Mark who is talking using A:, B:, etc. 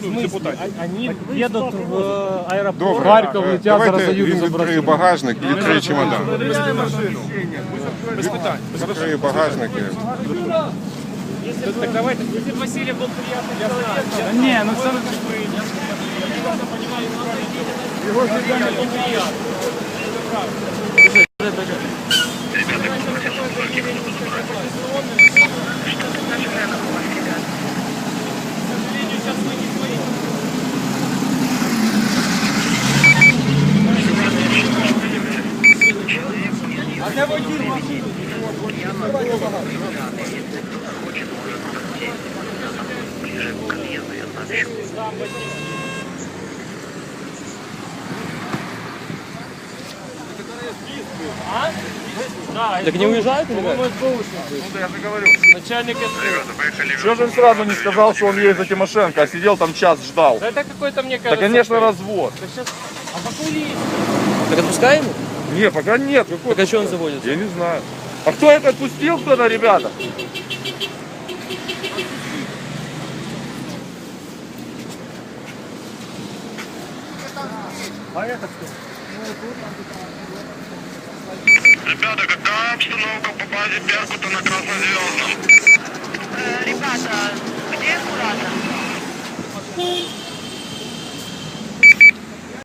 A: депутатів.
B: Они едут в аэропорт.
C: Добре,
B: Харьков летят, зараз
C: давайте
B: заїдуть
C: він
B: забрати.
C: відкриє багажник і відкриє чемодан.
A: Без питань.
C: Відкриє багажник.
A: Так давайте. Василий был приятный человек.
B: Не, ну це...
A: А где водитель машины?
D: Так не уезжают, ребят?
A: Ну, я же говорю.
D: Начальник
A: Чего же он сразу не сказал, что он едет за Тимошенко, а сидел там час, ждал?
D: Да это какой-то, мне
A: Да,
D: кажется...
A: конечно, развод.
D: Да сейчас... А покули? Так отпускаем его?
A: Не, пока нет. Какой?
D: Так а что он заводится?
A: Я не знаю. А кто это отпустил, кто-то, ребята?
E: Ребята, какая обстановка по базе Беркута на Краснозвездном?
F: Ребята, где Курата?